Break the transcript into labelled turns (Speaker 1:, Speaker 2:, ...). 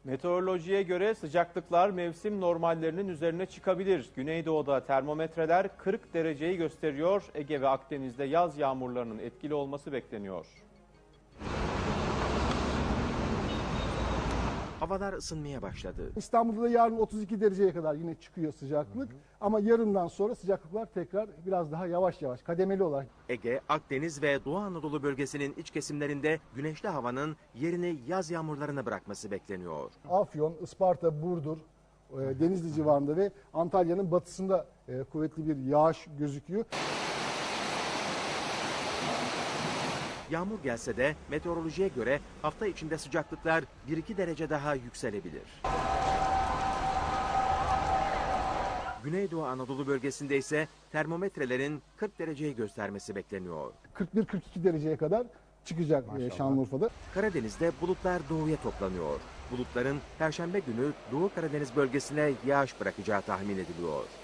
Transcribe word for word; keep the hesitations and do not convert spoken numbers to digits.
Speaker 1: Meteorolojiye göre sıcaklıklar mevsim normallerinin üzerine çıkabilir. Güneydoğu'da termometreler kırk dereceyi gösteriyor. Ege ve Akdeniz'de yaz yağmurlarının etkili olması bekleniyor.
Speaker 2: Havalar ısınmaya başladı.
Speaker 3: İstanbul'da da yarın otuz iki dereceye kadar yine çıkıyor sıcaklık. Hı hı. Ama yarından sonra sıcaklıklar tekrar biraz daha yavaş yavaş kademeli olarak.
Speaker 2: Ege, Akdeniz ve Doğu Anadolu bölgesinin iç kesimlerinde güneşli havanın yerini yaz yağmurlarına bırakması bekleniyor.
Speaker 3: Afyon, Isparta, Burdur, Denizli civarında ve Antalya'nın batısında kuvvetli bir yağış gözüküyor.
Speaker 2: Yağmur gelse de meteorolojiye göre hafta içinde sıcaklıklar bir iki derece daha yükselebilir. Güneydoğu Anadolu bölgesinde ise termometrelerin kırk dereceyi göstermesi bekleniyor.
Speaker 3: kırk bir kırk iki dereceye kadar çıkacak Maşallah. Şanlıurfa'da.
Speaker 2: Karadeniz'de bulutlar doğuya toplanıyor. Bulutların Perşembe günü Doğu Karadeniz bölgesine yağış bırakacağı tahmin ediliyor.